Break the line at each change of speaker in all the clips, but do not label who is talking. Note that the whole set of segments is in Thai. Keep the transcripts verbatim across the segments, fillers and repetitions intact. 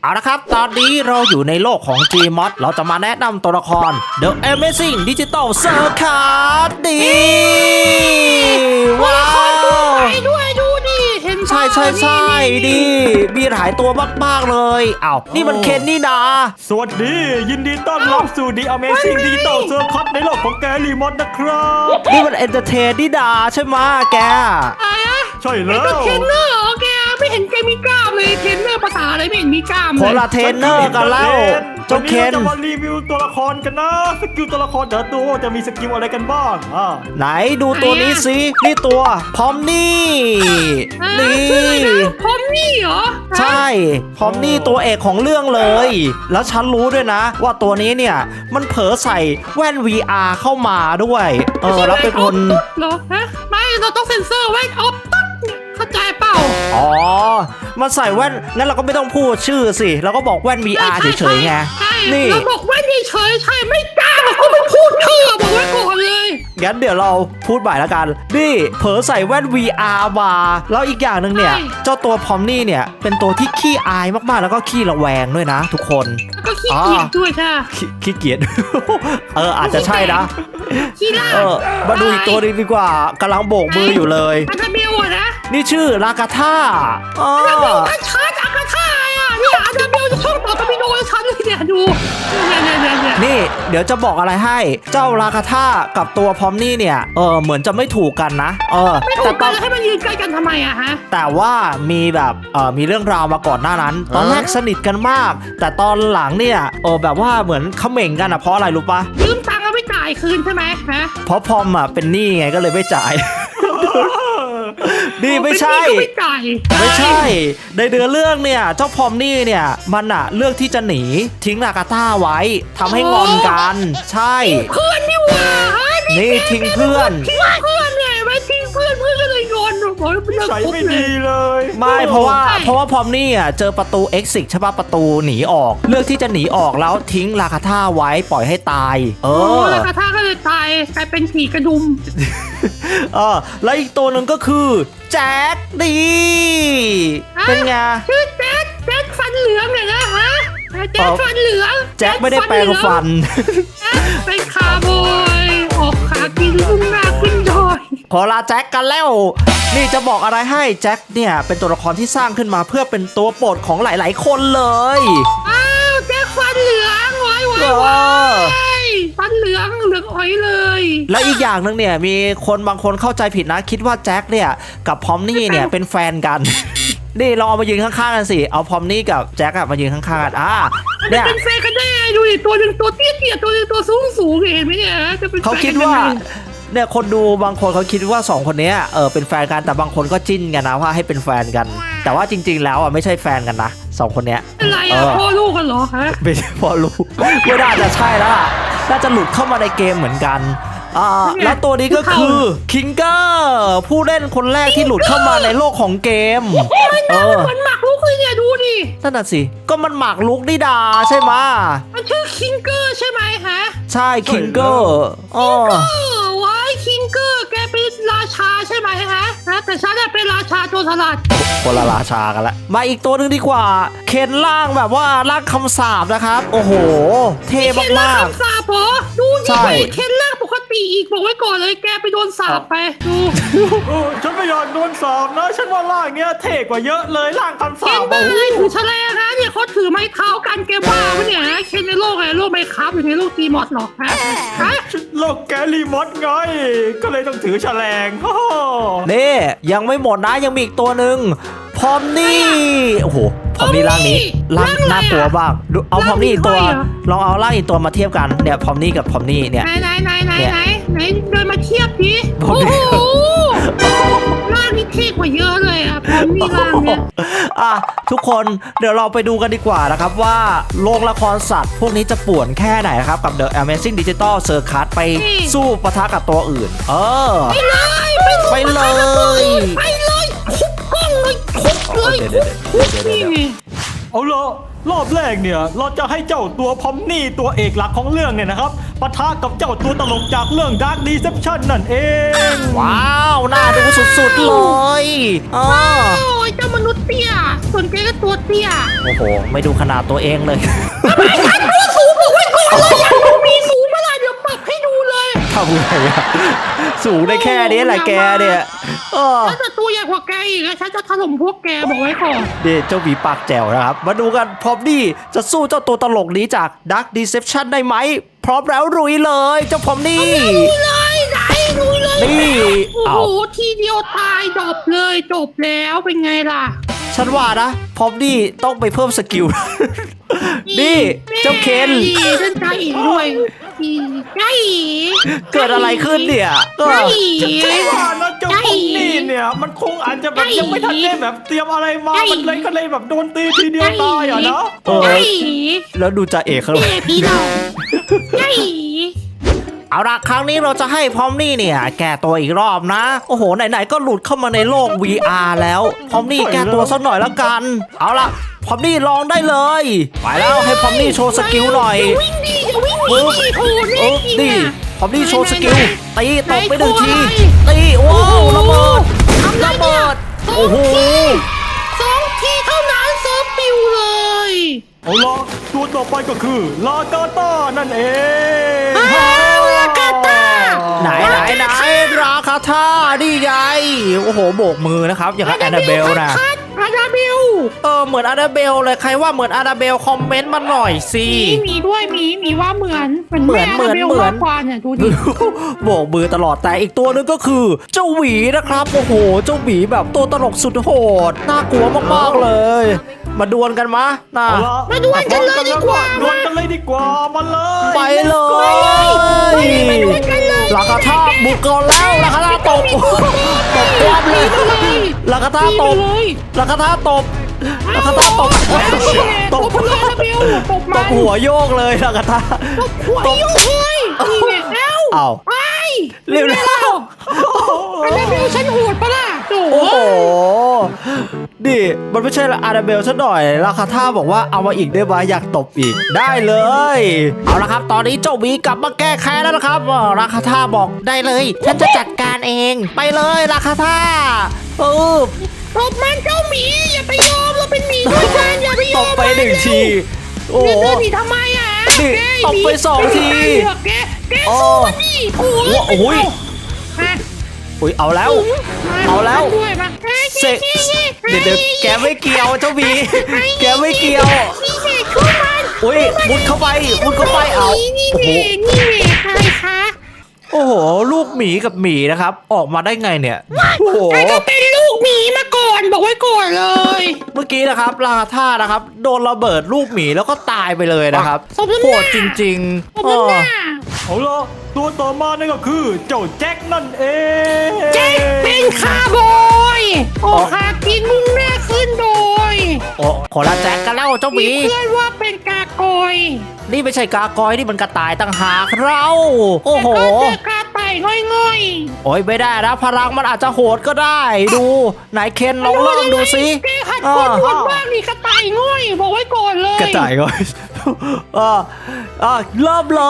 เอาละครับตอนนี้เราอยู่ในโลกของ Gmod เราจะมาแนะนำตัวละคร The Amazing Digital Circus ดีว้าว
ไปด้วยดูดิเห็น
ใช่ใช่ใช่ดีมีหลายตัวมากๆเลยอ้าวนี่มันเคนนี่นา
สวัสดียินดีต้อนรับสู่ The Amazing Digital Circus ในโลกของแกลีมอนนะครับ
นี่มันเอนเตอร์เทนนี่นาใช่ไหมแก
อะไรอะ
ใช่แล้
ไอ้
ว
เทรนเนอร์เหรอแกไม่เห็นแกมีกล้ามเลยเทรนเนอร์ภาษาอะไรไม่เห็นมีกล้าม
ค
เล
น
ย
ละเทรนเนอร์กันแล้วเจ้า
วัน
เคน
นี้เราจะมารีวิวตัวละครกันนะสกิลตัวละครเดี๋ยวดูว่าจะมีสกิลอะไรกันบ้างอ่า
ไหนดูตัวนี้สินี่ตัวพร้อมนี่
อ่า
นี่
ชื่ออะไรนะพอมนี่เหรอ
ใช่พร้อมนี่ตัวเอกของเรื่องเลย แล้วฉันรู้ด้วยนะ ว่าตัวนี้เนี่ยมันเผลอใส่แว่น วี อาร์ เข้ามาด้วยเออแล้วเป็นคน
เหรอฮะไม่เราต้องเซ็นเซอร์ไว้ออฟตัดเข้าใจเปล่า
อ๋อมันใส่แว่นงั้นเราก็ไม่ต้องพูดชื่อสิเราก็บอกแว่น วี อาร์ เฉยๆไง
ใช่
นี่
เราบอกว่าเฉยๆใช่ไม่กล้าเขาไม่พูดชื่อบอกไว้ก่อนเลย
งั้นเดี๋ยวเราพูดใหม่แล้วกันนี่เผลอใส่แว่น วี อาร์ มาแล้วอีกอย่างหนึ่งเนี่ยเจ้าตัวพร้อมนี่เนี่ยเป็นตัวที่ขี้อายมากๆแล้วก็ขี้ระแวงด้วยนะ ทุกคน
แล้วก็ขี้เกียจด้วยใช่
ขี้ขี้เกียจ เอออาจจะใช่นะ
ขี้ล่า
เออมาดูอีกตัวหนึงดีกว่ากำลังโบกมืออยู่เลย
อันเบลอะนะ
นี่ชื่อลากาธาอ๋อ
อันเบลก็ชาร์จอากาธาอ่ะเนี่ยอันเบลจะช่องต่อกับพี่โดนฉันเลยเนี่ยดูเนี่ยเนี่ยเนี่ยเนี่ย
นี่เดี๋ยวจะบอกอะไรให้เจ้าลากาธากับตัวพร้อมนี่เนี่ยเออเหมือนจะไม่ถูกกันนะเออ
ไม่ถู
แต่
ก
ต
กั
อน น
แล้วให้มันยืนใกล้กันทำไมอะฮะ
แต่ว่ามีแบบเออมีเรื่องราวมาก่อนหน้านั้น ตอนแรกสนิทกันมาก แต่ตอนหลังเนี่ยเออแบบว่าเหมือนเขม่งกันอะเพราะอะไรรู้ปะ
ยืมตังค์แล้วไม่จ่ายคืนใช่ไหมฮะ
เพราะพอมอะเป็นหนี้ไงก็เลยไม่จ่าย นี่ไม่ใช่
เป็นหนี้ก็ไม่จ่าย
ไม่ใช่ ในเดือเรื่องเนี่ยเจ้าพอมนี่เนี่ยมันอะเลือกที่จะหนีทิ้งลากาต้าไว้ทำให้งอนกัน ใช่
เพื่อนนี่หว่าฮะ
นี่ทิ้งเพื่อน
ทิ้งเพื่อนเนี่ยไม่ทิ้งเพื่อนเพื่อนก็เลยงอนโอ้ยเลิก
ใช้
คบ
ไม่
เล
ดี
ย
เลย
ไม่เพราะว่าเพราะว่าพอมนี่อ่ะเจอประตู exit ใช่ป่ะประตูหนีออก เลือกที่จะหนีออกแล้วทิ้งลาคาท่าไว้ปล่อยให้ตาย เอ
โอ้
อ
แล้วกระทาก็เลยตายกลายเป็นผีกระดุม
เออแล้วอีกตัวหนึ่งก็คือแจ็คดีเป็นไง
ชื่อแจ๊คแจ๊คฟันเหลืองเนี่ยนะฮะแจ๊คฟันเหลือง
แจ็คไม่ได้แปลงฟัน
แจ๊คเป็นคาร์บอยออกขากินลุ่งหน้าขึ้นดอย
ขอลาแจ็คกันแล้ว นี่จะบอกอะไรให้แจ็คเนี่ยเป็นตัวละครที่สร้างขึ้นมาเพื่อเป็นตัวโปรดของหลาย ๆ คนเลย
อ้าวแจ็คฟันเหลืองไว้ไว้ไว้ฟันเหลืองเหลืองอ้อยเลย
และอีกอย่างหนึ่งเนี่ยมีคนบางคนเข้าใจผิดนะคิดว่าแจ็คเนี่ยกับพอมนี่เนี่ยเป็นแฟนกัน นี่ลองเอามายืนข้างๆกันสิเอาพอมนี่กับแจ็คอะมายืนข้างๆกันอ่า
มัน
เนี่ย
เป็นแฟนกันได้ไงดูดิตัวหนึ่งตัวเตี้ยเตี้ยตัวหนึ่งตัวสูงสูงเห็นไหมเนี่ยจะเป็นแฟน
เขาคิดว่าเนี่ยคนดูบางคนเขาคิดว่าสองคนเนี้ยเออเป็นแฟนกันแต่บางคนก็จิ้นกันนะว่าให้เป็นแฟนกัน แต่ว่าจริง ๆ แล้วอ่ะไม่ใช่แฟนกันนะสองคนเนี้ย
อะไรอ่ะพ่อลูกกันเหรอฮะ
ไม่ใช่พอรู้ไม่น่าจะใช่แล้วล่ะน่าจะหลุดเข้ามาในเกมเหมือนกันอ่าแล้วตัวนี้ก็คือคิงเกอร์ผู้เล่นคนแรกที่หลุดเข้ามาในโลกของเกมเออ
มันหมักลูกเลยเนี่ยดูดิ
นั่นน่ะสิก็มันหมากลุกนิดาใช่ไหม
มันชื่อคิงเกอร์ใช่ไหมฮะ
ใช่คิงเกอร์อ๋อ
เออไว้คิงเกอร์แกเป็นราชาใช่ไหมฮะนะแต่ฉันน่ะเป็นราชาโจรสลัด
คนละราชากันละมาอีกตัวหนึงดีกว่าเคนล่างแบบว่าล่างคำสาบนะครับโอ้โหเท่
เคนล่าม
าก
คำสาปเหรอดู
ใช่
นี่เคนล่างปกติอีกบอกไว้ก่อนเลยแกไปโดนสาปไปดู
โอ้ฉันไม่อยากโดนสอบนะฉันว่าล่างเนี้ยเท่กว่าเยอะเลยล่างคำ
เคน
สาบ
บ้าเลยถือแฉลงนะเนี่ยเขาถือไม้เท้ากันแกบ้าปะเนี่ยฮะเคนในโลกไงโลกไม้ค้าอยู่ในโลกตีมอดหรอกฮะฮะ
โลกแกลีมอนไงก็เลยต้องถือแฉลงโอ้โห
ๆนี่ยังไม่หมดนะยังมีอีกตัวหนึ่งพร้อมนี่โอ้โหพร้อมนี่ร่างนี้ร่างน่ากลัวบ้างดูเอาพร้อมนี่อีกตัวลองเอาร่างอีกตัวมาเทียบกันเนี่ยพร้อมนี่กับพร้อมนี่เนี่ย
ไหนไหนไหนไหนไหนไหนเดินมาเทียบดิ
ผ
โอ้
ม
โหร่างนี้เท่กว่าเยอะเลยอ่ะผมมีร่างเนี่ย
อ่ะทุกคนเดี๋ยวเราไปดูกันดีกว่านะครับว่าโรงละครสัตว์พวกนี้จะป่วนแค่ไหนนะครับกับ The Amazing Digital Circus ไปสู้ปะทะกับตัวอื่น เออ
ไปเลยไป
ไปเลย
ไปเลยคุบกล้องเลยคุบเลยคุบคุบนี่
เอาละรอบแรกเนี่ยเราจะให้เจ้าตัวพอมนี่ตัวเอกหลักของเรื่องเนี่ยนะครับปะทะกับเจ้าตัวตลกจากเรื่อง Dark Deception นั่นเอง
ว้าวน่าดูสุดๆเลยอ๋อ
โอ้ยเจ้ามนุษย์เตี้ยส่วนแกก็ตัวเตี้ย
โอ้โหไม่ดูขนาดตัวเองเลย
ตัวสูงบอกไว้ก่อนเลยอยากดูมีสูงเมื่อไหร่เดี๋ยวปรับให้ดูเลย
ทำไงอะสูงได้แค่นี้แหละแกเนี่ยเออ
ถ้าจะตัวใหญ่กว่าแกอีกนะฉันจะถล่มพวกแกบอกไว้ก่อน
เดี๋ยวเจ้าหวีปากแจ๋วนะครับ มาดูกันพร้อมนี่จะสู้เจ้าตัวตลกนี้จาก Dark Deception ได้ไหม พร้อมแล้วรุยเลยเจ้าพร้อมนี่
ดูเลยไหนดูเลย
นี่
โอ้
เอา
โหทีเดียวตายจบเลยจบแล้วเป็นไงล่ะ
ฉันว่านะพร้อมนี่ต้องไปเพิ่มสกิล นี่เจ้าเคน
นี่เล่นใจอีกด้วยอีใจอีก
เกิดอะไรขึ้นเนี่ยเอ
ใจ
อ
อีก
ฉันว่านะเจ้าพอมนี่เนี่ยมันคงอาจจะแบบยังไม่ทันได้แบบเตรียมอะไรมามันเลยก็เลยแบบโดนตีทีเดียวตายอ่ะเนาะ
เออ
ใจอีก
แล้วดูจ่าเอกเขา
เย่พี่น้องใจอีก
เอาละครั้งนี้เราจะให้พร้อมนี่เนี่ย แก้ตัวอีกรอบนะ โอ้โหไหนๆก็หลุดเข้ามาในโลก วี อาร์ แล้วพร้อมนี่แก้ตัวสักหน่อยแล้วกัน เอาละพร้อมนี่ลองได้เลยไปแล้วให้พร้อมนี่โชว์สกิลหน่อย
อย่าวิ่งดีอย่าวิ่งดี
ปึ๊บ
โอ้โหเล่
ปึ๊
น
บ
จริง
นี่
อะ
พร้อมนี่โชว์สกิลตีตบไปหนึ่งที
ไหน
ตีว้าว
โอ้โห
ระเบิด
ทำไร
ระ
เนี่
เบิ
ย
ดโอ้โห
สองทีเท่านั้นเซิร์ฟปิวเลย
เอาละตัวต่อไปก็คือลากาต้านั่นเอง
อ้าวลากาต้า
ไหนไหนไหนราคาท่านี่ไงโอ้โหโบกมือนะครับอย่างกับแอนนาเบลนะ
คัดอานาเบล
เออเหมือนอานาเบลเลยใครว่าเหมือนอานาเบลคอมเมนต์มาหน่อยสิ
มีมีด้วยมีมีว่าเหมือนเหมือน
เหมือน
แ
เหมือน
าาบล
เหมือน
มากกว่าเนี่ยดูดิ
โบกมือตลอดแต่อีกตัวหนึงก็คือ เจ้าหวีนะครับโอ้โหเจ้าหวีแบบตัวตลกสุดโหดน่ากลัวมากๆเลย มาดวลกันมะน่า
เอาละ
มาดวลกันเลยดีกว่า
ดวลกันเลยดีกว่ามาเลย
ไปเลย
มาดวลกันเลย
ลากาท่าบุกก่อนแล้วลากาท่าตบตบกวาบเลยลากาท่าตบ
เลย
ลากาท่าตบลากาท่าตบ
ตบเลยอานาเบลตบ
ต
มั
บ
น
หัวโยกเลยลากาท่า
หัวยุ่งเลยนี่ไงเอ้า
เอ้า
ไป
เร็วๆ
วอานาเบลฉันโหดปะล่ะโ
โอ้โหดิมันไม่ใช่อาราเบลซะหน่อยราคาท่าบอกว่าเอามาอีกได้ไหมอยากตบอีกได้เลย เอาละครับ ตอนนี้เจ้าหวีกลับมาแก้แค้นแล้วนะครับอ่าราคาท่าบอกได้เลย ฉันจะจัดการเองไปเลยราคาท่าเออ
ตบมันเจ้าหมีอย่าไปยอมเราเป็นหมีด้วยกันอย่าไปย
ต
อม
บไปหนึ่งทีโอ้
โอ้
โห
เดินหนีทำไมอ่ะ
นี่
แก
ตบไปสองที
แกแกสู้มันดิโอ้ย
โอ้โห
ฮะ
อุ้ยเอาแล้ว เอาแล้ว
ด้วยมา
เสกเดี๋ยวเดี๋ยวแกไม่เกี่ยวเจ้าหวีแกไม่เกี่ยว
นี่เสกช่วยมัน
อุ้ยมุดเข้าไปมุดเข้าไปเอา
นี่
โอ้โห
เน่นี่เน่ใครคะ
โอ้โห ลูกหมีกับหมีนะครับ ออกมาได้ไงเนี่ย โอ้โห
แกก็เป็นลูกหมีมาก่อนบอกไว้ก่อนเลย
เมื่อกี้นะครับลาท่านะครับ โดนระเบิดลูกหมีแล้วก็ตายไปเลยนะครับ
สมน้ำหน้า
โหดจริง
ผม
ๆเอ
เป็นห
อ
น้า
เอาละตัวต่อมานั่นก็คือเจ้าแจ็คนั่นเอง
เจ๊เป็นคาร์บอยโอ้คากินมุ่งหน้าขึ้นโดย
โอ้ขอละแจ็คกันแล้วเจ้าห
มี
มี
เพื่อนว่าเป็นกากอย
นี่ไม่ใช่กากอยนี่มันกระต่ายต่างหากเรา โอ้โห
แต่ก็เจอกาไต่ง่อย
โอ้ยไม่ได้นะพลังมันอาจจะโหดก็ได้ ดูไหนเคน
ๆ
ลองเริ่มดูสิ
แกหัดคนพูดบ้างนี่กระต่ายง่อยบอกไว้ก่อนเลย
กระต่ายก่อน อ่าอ่าเริ่มเลย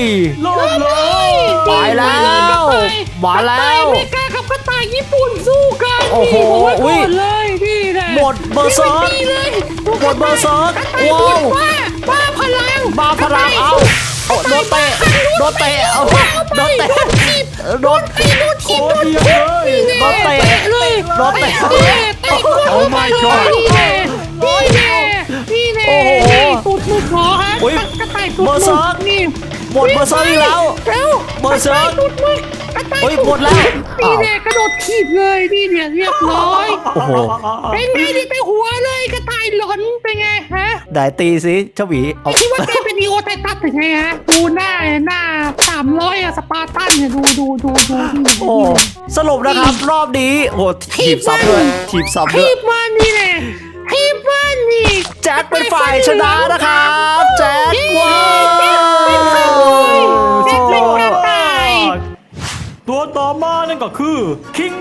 โลดเลย
ไปแล้วมาแล้ว
กระต่ายอเมริกากับกระต่ายญี่ปุ่นสู้กัน
โอ้โห
นี่บอกไว้
อุ๊
ก่อย นเลยนี่แหละ
หมดเบอร์เซิร์ก
นี่เลย
หมดเบอร์เซิร์ก
กระต่าย
ว้าว
บ้าบ้าพลัง
บ้าพลังเอาโอ้โดนเตะโดนเตะเอาโดนเตะโดน
ไอ้โดนที
โค
ม
ตรเดียวเลย
โดนเตะ
เลย
โดนเตะ
เตะเตะ
โอ้ my god
นี่แน่นี่แน่นี่แน่
โอ้โห
นี่ตูดมุกเหรอฮะ
อุ๊ย
กระต่ายตูด
เบอร์เซิ
มุ
ร์
ก
ก
นี่
หมดเบอร์เซิร์กอีกแล้ว
เร็ว
เบอร์เซิร์ก
ตูดมุกกระต่าย
เฮ้ย
ตูด
หมดแล้ว
นี่แน่กระโดดถีบเลยนี่เนี่ยเรียบร้อย
โอ้โห
เป็นไงดิไปหัวเลยกระต่ายหลอนเป็นไงฮะ
ได้ตีสิเจ้าหวีเอา
คิดว่าแกเป็นดีโอไททัสถึงไงฮะดูหน้าหน้าสามร้อยอะสปาร์ตันเนี่ยดูดูดูดู
โอ้สรุปนะครับรอบนี้โอ้ทีบซับด้วยทีบซับด้
ที
วย
บมันนี่แหละทีบมันนี่
แจ็คเป็นฝ่ายชนะนะครับแจ็คว้าว
แจ็คเป็นกระต่าย
ตัวต่อมานั่นก็คือคิงเกอร์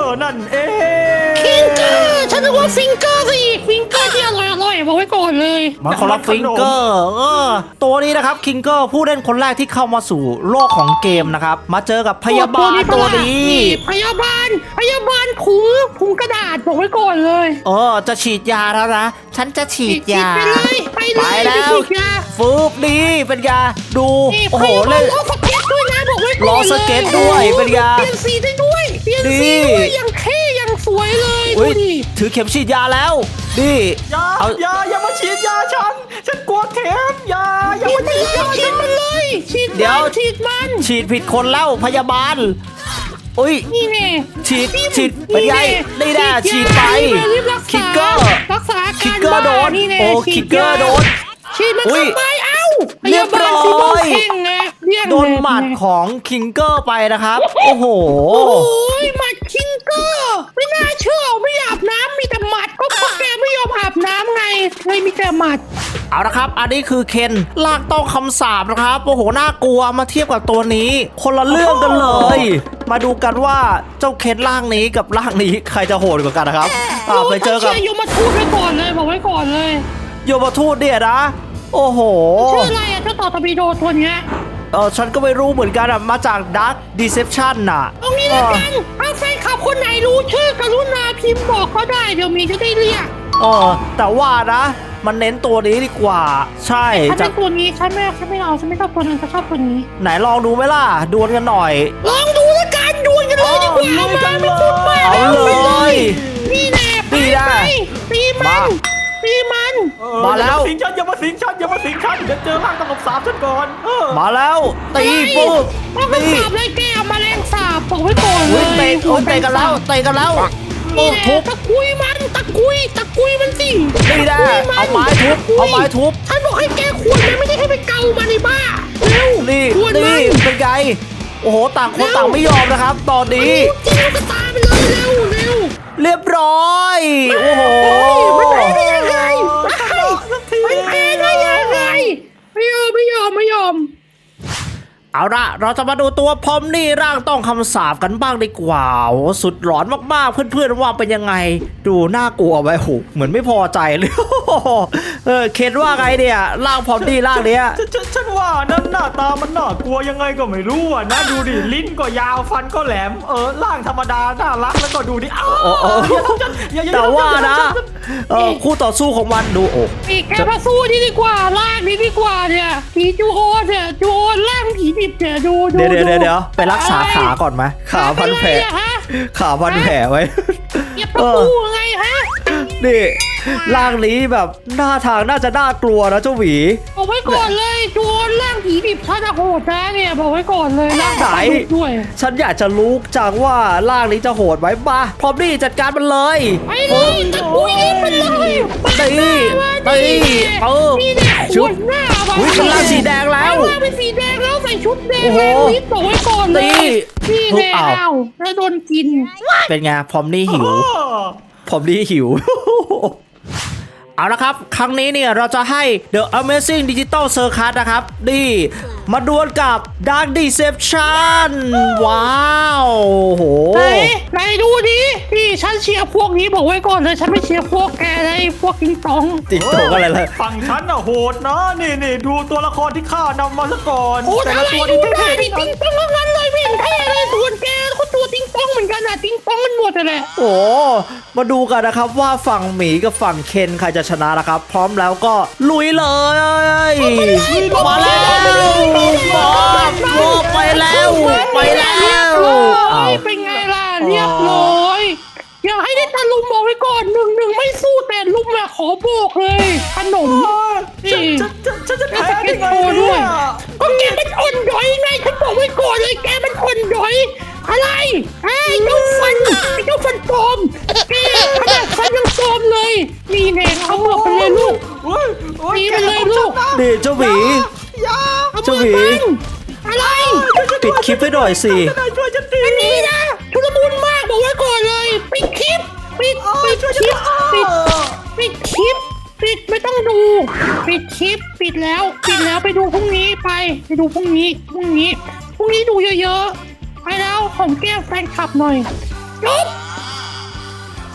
ร์นั่นเอง
ฟิงเกอร์ฉันนึกว่าฟิงเกอร์สิฟิงเกอร์ที่อร่อยอร่อยบอกไว้ก่อนเลย
มันคนละฟิงเกอร์เออตัวนี้นะครับคิงเกอร์ผู้เล่นคนแรกที่เข้ามาสู่โลกของเกมนะครับมาเจอกับพยาบาลตัวนี้
พยาบาลพยาบาลถุงถุงกระดาษบอกไว้ก่อนเลย
เออจะฉีดยาแล้วนะฉันจะฉีดยา
ไปเลยไปเลย
ไปแล้ว
ฉีดยา
ฟืบดีเป็นยาดู
นี่
โอ้โห
พยาบา
เล่น
ล้อสเก็ตด้วยนะบอกไว้ก่อนเลย
ล้อสเก็ตด้วยเป็นไง
เปลี่ยนสีได้ด้วยเปลี่ยนสี
ดี
ด้วยยังเท่ยังสวยเลยดู
เฮ้ย
ดิ
ถือเข็มฉีดยาแล้วดิ
อย่า
เอา
อย่าอย่ามาฉีดยาฉันฉันกลัวเข็มอย่าอย่า
ฉีด
มา
มัน
ฉีด
เลย
ยา
ฉีดมันเลยฉีด
เดี๋ยว
มันฉีดมัน
ฉีดผิดคนแล้วพยาบาลอุ้ย
นี่แน่
ฉีดฉีดเป็นไงนี่แน่ฉีดไป
รีบรัก
คิ
ษาก
เกอร์
รักษาอา
คิ
กาก ร
เกอร์โดน
บ้านี่แน่
โอ้
ฉี
คิกเกอร์โดน
ฉีดมัน
อุ้ย
ทำไมเอ้าพ
เรีย
ยา
บบ
าล
ร้อย
สีม่วงเข่งไงเรียก
โดนหมัดของคิงเกอร์ไปนะครับ โอ้โห
โอ้ยหมัดคิงเกอร์ไม่น่าเชื่อไม่อาบน้ำมีแต่หมัดก็เพราะแกไม่ยอมอาบน้ำไงเลยมีแต่หมัด
เอาละครับ อันนี้คือเคนลากต้องคำสาปนะครับ โอ้โห น่ากลัวมาเทียบกับตัวนี้ คนละเรื่องกันเลย มาดูกันว่าเจ้าเคนร่างนี้กับร่างนี้ใครจะโหดกว่ากันนะครับอ่าไปเจอกับ
ชื่อยมทูตไว้ก่อนเลยบอกไว้ก่อนเลย
โยมทูตเนี่ยนะ โอ้โห
ชื่ออะไรอะเจ้าต่อตบีโดตัวเนี้ย
เออฉันก็ไม่รู้เหมือนกันอะมาจาก Dark Deception น่ะ
ตรงนี้แล้วกันถ้าแฟนคลับคนไหนรู้ชื่อกรุณาพิมพ์บอกเขาได้เดี๋ยวมีจะได้เรียก
เออแต่ว่านะ มันเน้นตัวนี้ดีกว่า ใช่
ฉัน
จะ
เป็นตัวนี้ฉันไม่ฉันไม่เอาฉันไม่ชอบตัวนั้นฉันชอบตัวนี้
ไหนลองดูไหมล่ะ ดวลกันหน่อย
ลองดูแล้วกันดวลกันเลยดีกว่าเอามาไม่พูดมาก
เอาเลย
นี่แน่ไป
นี่นะ
ไปตีมันตีมัน
เออ
มาแล้ว
อย่ามาสิงฉันอย่ามาสิงฉันอย่ามาสิงฉันเดี๋ยวเจอร่างตลบสาบฉันก่อนเออ
มาแล้วตีปุ๊บ
ต้อง
ตี
สาบเลยแกเอามาแรงสาบบอกไว้ก่อนเล
อุ้ย
ย
เตะโอ้ยเตะกันแล้วเตะกันแล้ว
นี่
ปุ๊บ
แน่
ทุบ
ตะกุยมันตะกุยตะกุยมันสิ
นี่แน่
ตะกุยน
เอาไม้ทุบเอาไม้ทุบ
ฉันบอกให้แกควรนะไม่ได้ให้ไปเกามันในบ้าเร็ว
นี่
ควรมั
นี่เป็นไงโอ้โหต่างคนต่างไม่ยอมนะครับ ตอนนี้
จริงก็ตามไปเลยเร็วเร็ว
เรียบร้อยโอ้โห
มันไปได้ยังไงมันแพ้ได้ยังไงไม่ยอมไม่ยอมไม่ยอม
เอาละเราจะมาดูตัวพอมนี่ร่างต้องคำสาปกันบ้างดีกว่าโอ้สุดหลอนมากๆเพื่อนๆว่าเป็นยังไง ดูน่ากลัวไว้โหเหมือนไม่พอใจเลย เออเคนว่าไงเนี่ยร่างพอมนี่ร่างเนี้ย
ฉันฉันฉันว่านั่นหน้าตามันน่ากลัวยังไงก็ไม่รู้อ่ะนะดูดิลิ้นก็ยาวฟันก็แหลมเออร่างธรรมดาน่ารักแล้วก็ดูดิอ้าว
โอ้โอ้
อย่าทำฉันอย่าอย่า
แต่ว่านะ
อย่าทำฉั
เออคู่ต่อสู้ของมันดูโอ้
นี่แกมาสู้นี่ดีกว่าลากนี่ดีกว่าเนี่ยผีจูโอเนี่ยจูโอล่างผีดิบเนี่ยดูดู
เดี๋ยวเดี๋ยวเดี๋ยวเดี๋ยวไปรักษาขาก่อนไหมขาพันแผล
เป็นไรอะฮะ
ขาพันแผลไว้
เหยียบประตูไงฮะ
นี่ร่างนี้แบบหน้าทางน่าจะน่ากลัวนะเจ้าหวี
บอกไว้ก่อนเลยจูโอล่างผีดิบถ้าจะโหดนะเนี่ยบอกไว้ก่อนเลยล่าง
ไหน
ผีดิบด้วย
ฉันอยากจะรู้จังว่าร่างนี้จะโหดไหมมาพร้อมนี่จัดการมันเลย
ไปเลยตะกุยเล่นมันเลย
ตีตีเออ
นี่เนี่ยข
ชุ
ว
บ
ดหน้า
อุ๊ยเป็นร่างสีแดงแล้ว
เป็นร่างเป็นสีแดงแล้วใส่ชุดแดง
โอ้โห
แล้วนิดบอกไว้ก่อนเลย
ตี
นี่แน่
อ้าว
อ้าวแล้วโดนกิน
เป็นไงพร้อมนี่หิว
เออ
ผมนี่หิว เอาละครับ ครั้งนี้เนี่ยเราจะให้ The Amazing Digital Circus นะครับ นี่ มาดวลกับ Dark Deception ว้าวโห
ไหนไหนดูดินี่ฉันเชียร์พวกนี้บอกไว้ก่อนเลยฉันไม่เชียร์พวกแกเลยพวกกิงตอง
ติ๊กตกอะไรเลย
ฝั่งฉันน่ะโหดนะนี่นี่ดูตัวละครที่ข้านำมาซะก่อน
โอ้
แต่
อะ
ละ
ไร
ตัว
ดู
นี่
ได้
เท่ๆ
ดิ
ทั้ง
ติ
นั้น
งตองทั้งนั้นเลยไม่เห็นเท่เลยส่วนแกก็ตัวติงตองเหมือนกันนะติงตองมันหมดเลย
โอ้มาดูกันนะครับว่าฝั่งหมีกับฝั่งเคนใครจะชนะนะครับ พร้อมแล้วก็ลุยเลยมาแล้วบอกบอกไปแล้วไปแล้วอ้าว
เป็นไงล่ะเรียบร้อยอย่าให้ได้ตะลุมบอกไว้ก่อนหนึ่งหนึ่งไม่สู้แต่ลุมอะขอโบกเลยขนม
ฉัน
นี่
ฉันฉันฉันจะ
แล้ว
แพ้
ส
ได้
เก็ต
ไง
โชว์ด้
เนี่
วย
ย
ก็แกมันอ่อนด้อยไงฉันบอกไว้ก่อนเลยแกมันอ่อนด้อยอะไรไอ้เจ้าฟันไอ้เจ้าฟันปลอมแกขนาดฟันยังปลอมเลยนี่แน่เอามือไปเลยลูก
โอ้ยโอ้ย
ตีไปเลยลูก
นี่เจ้าหมี
อย่า
เอา
เจ้า
มื
ห
อ
มี
มันอะไร
ปิดคลิปให้หน่อยสิ
จะได้ช่วยฉันที
อันนี้นะชุลมุนมากบอกไว้ก่อนเลยปิดคลิปปิด
โอ้ย
ปิด
ช่วย
ค
ฉัน
ลิป
ที
ปิดปิดคลิปปิดไม่ต้องดู ปิดคลิปปิดแล้วปิดแล้วไปดูพรุ่งนี้ไปไปดูพรุ่งนี้พรุ่งนี้พรุ่งนี้ดูเยอะๆไปแล้วของแก้มแฟนคลับหน่อยจบ